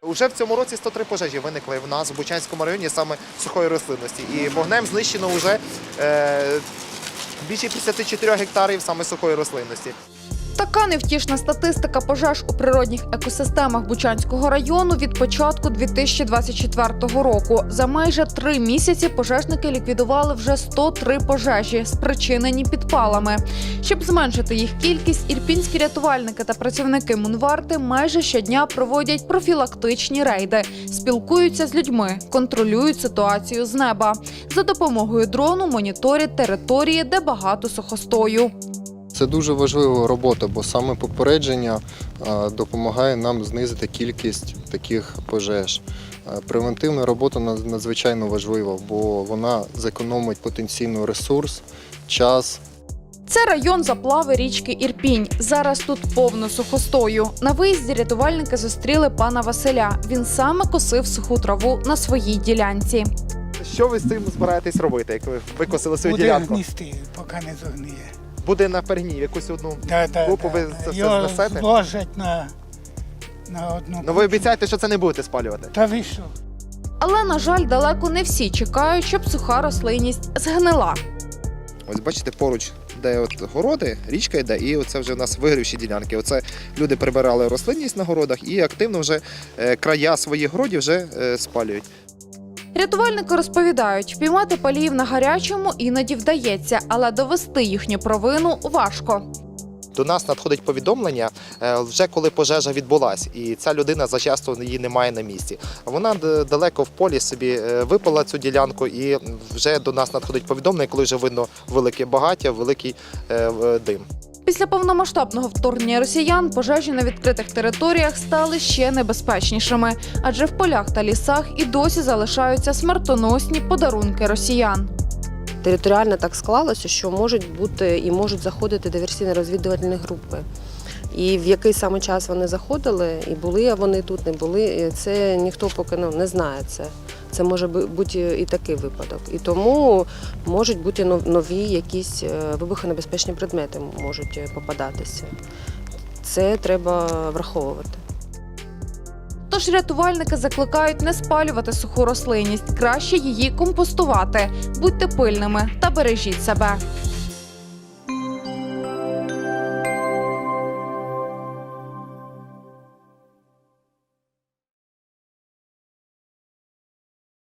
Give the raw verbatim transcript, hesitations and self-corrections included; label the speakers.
Speaker 1: Уже в цьому році сто три пожежі виникли в нас в Бучанському районі саме сухої рослинності. І вогнем знищено вже е, більше п'ятдесят чотири гектарів саме сухої рослинності.
Speaker 2: Така невтішна статистика пожеж у природних екосистемах Бучанського району від початку дві тисячі двадцять четвертого року. За майже три місяці пожежники ліквідували вже сто три пожежі, спричинені підпалами. Щоб зменшити їх кількість, ірпінські рятувальники та працівники Мунварти майже щодня проводять профілактичні рейди, спілкуються з людьми, контролюють ситуацію з неба. За допомогою дрону моніторять території, де багато сухостою.
Speaker 3: Це дуже важлива робота, бо саме попередження допомагає нам знизити кількість таких пожеж. Превентивна робота надзвичайно важлива, бо вона зекономить потенційно ресурс, час.
Speaker 2: Це район заплави річки Ірпінь. Зараз тут повно сухостою. На виїзді рятувальники зустріли пана Василя. Він саме косив суху траву на своїй ділянці.
Speaker 1: Що ви з цим збираєтесь робити, як ви викосили свою
Speaker 4: Буде
Speaker 1: ділянку?
Speaker 4: гністи, поки не зогниє.
Speaker 1: Буде на перегній, якусь одну
Speaker 4: Да, да,
Speaker 1: групу
Speaker 4: да,
Speaker 1: ви
Speaker 4: да.
Speaker 1: це все
Speaker 4: Його
Speaker 1: знесете?
Speaker 4: зложать на, на одну.
Speaker 1: Ну ви обіцяєте, що це не будете спалювати?
Speaker 4: Та ви що?
Speaker 2: Але, на жаль, далеко не всі чекають, щоб суха рослинність згнила.
Speaker 1: Ось бачите, поруч, де от городи, річка йде, і оце вже у нас вигрівші ділянки. Оце люди прибирали рослинність на городах і активно вже е, края своїх городів вже е, спалюють.
Speaker 2: Рятувальники розповідають, впіймати паліїв на гарячому іноді вдається, але довести їхню провину важко.
Speaker 1: До нас надходить повідомлення вже коли пожежа відбулась, і ця людина зачасто її немає на місці. Вона далеко в полі собі випала цю ділянку, і вже до нас надходить повідомлення, коли вже видно велике багаття, великий дим.
Speaker 2: Після повномасштабного вторгнення росіян пожежі на відкритих територіях стали ще небезпечнішими, адже в полях та лісах і досі залишаються смертоносні подарунки росіян.
Speaker 5: Територіально так склалося, що можуть бути і можуть заходити диверсійно-розвідувальні групи. І в який саме час вони заходили, і були вони тут, не були, це ніхто поки ну, не знає це. Це може бути і такий випадок. І тому можуть бути нові якісь вибухонебезпечні предмети можуть попадатися. Це треба враховувати.
Speaker 2: Тож рятувальники закликають не спалювати суху рослинність, краще її компостувати. Будьте пильними та бережіть себе.